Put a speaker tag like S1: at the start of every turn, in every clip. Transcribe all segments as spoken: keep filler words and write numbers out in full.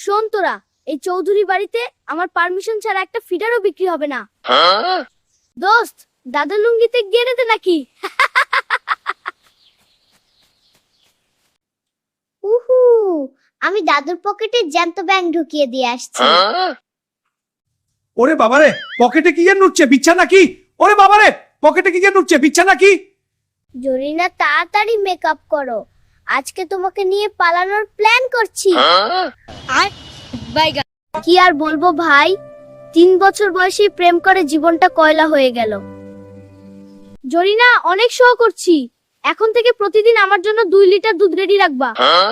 S1: শোন তোরা, এই চৌধুরী বাড়িতে আমার পারমিশন ছাড়া একটা ফিডারও বিক্রি হবে না। দোস্ত, দাদা লুঙ্গিতে গেড়ে দে নাকি?
S2: উহু, আমি দাদুর পকেটে জ্যান্ত ব্যাং ঢুকিয়ে দিয়ে আসছি।
S3: ওরে বাবারে, পকেটে কি এর নুচ্ছে, বিচ্ছা নাকি? ওরে বাবারে, পকেটে কি এর নুচ্ছে, বিচ্ছা নাকি?
S2: জরিনা, তাড়াতাড়ি মেকআপ করো, আজকে তোমাকে নিয়ে পালানোর প্ল্যান করছি।
S1: আর বাইগা কি আর বলবো ভাই, তিন বছর বয়সে প্রেম করে জীবনটা কয়লা হয়ে গেল। জরিনা, অনেক শো করছি, এখন থেকে প্রতিদিন আমার জন্য দুই লিটার দুধ রেডি রাখবা।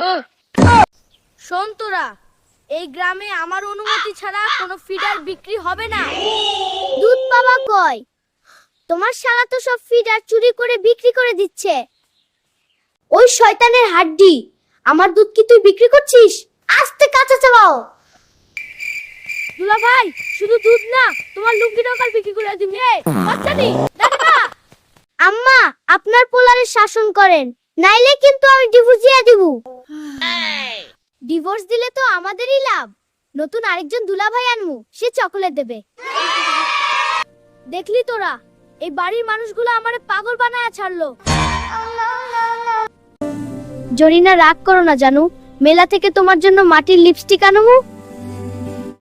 S1: শোন তোরা, এই গ্রামে আমার অনুমতি ছাড়া কোনো ফিডার বিক্রি হবে না।
S2: দুধ পাবা কই? তোমার শালা তো সব ফিডার চুরি করে বিক্রি করে দিচ্ছে।
S1: ওই শয়তানের হাড্ডি, আমার দুধ কি তুই বিক্রি করছিস?
S2: আস্তে কাঁচা চালাও।
S1: দুলা ভাই, শুধু দুধ না, তোমার লুঙ্গিটাও কাল বিক্রি করে দিবি। এই বাচ্চাটি, দাঁড়া।
S2: আম্মা, আপনার পোলারে শাসন করেন, নাইলে কিন্তু আমি ডিভোর্স দিয়ে দিব।
S1: ডিভোর্স দিলে তো আমাদেরই লাভ, নতুন আরেকজন দুলা ভাই আনমু, সে চকলেট দেবে। দেখলি তোরা, এই বাড়ির মানুষগুলো আমারে পাগল বানায়া ছাড়লো। জরিনা, রাগ করো না জানু, মেলা থেকে তোমার জন্য মাটির লিপস্টিক আনমু।